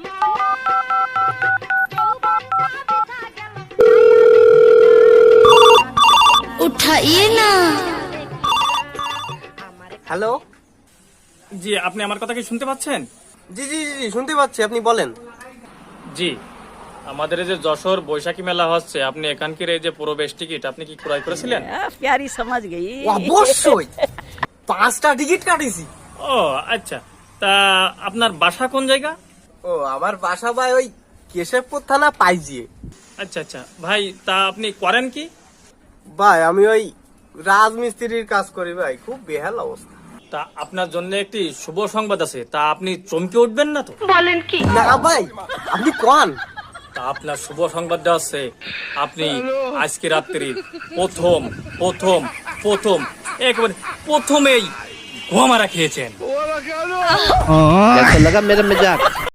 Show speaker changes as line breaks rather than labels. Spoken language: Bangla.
उठाइए ना।
হ্যালো।
জি, আপনি আমার কথা কি শুনতে পাচ্ছেন?
জি জি জি জি, শুনতে পাচ্ছি, আপনি বলেন।
জি, আমাদের এই যে যশোর বৈশাখী মেলা হচ্ছে, আপনি এখানকার এই যে প্রবেশ টিকিট আপনি কি ক্রয় করেছিলেন?
प्यारी समझ गई।
অবশ্যই 5টা টিকিট কাটিছি।
ও আচ্ছা, তা আপনার বাসা কোন জায়গা?
ও আমার বাসা ভাই ওই কেশবপুর থানা পাইজিয়ে।
আচ্ছা আচ্ছা ভাই, তা আপনি করেন কি?
ভাই আমি ওই রাজমিস্ত্রির কাজ করি ভাই, খুব বেহাল অবস্থা।
তা আপনার জন্য একটি শুভ সংবাদ আছে, তা আপনি চমকে উঠবেন না তো?
না ভাই, আপনি কোন?
তা আপনার শুভ সংবাদটা আছে, আপনি আজকে রাত্রি প্রথম প্রথম প্রথম একেবারে প্রথমেই গোমারা খেয়েছেন।
कैसा लगा मेरा मजाक?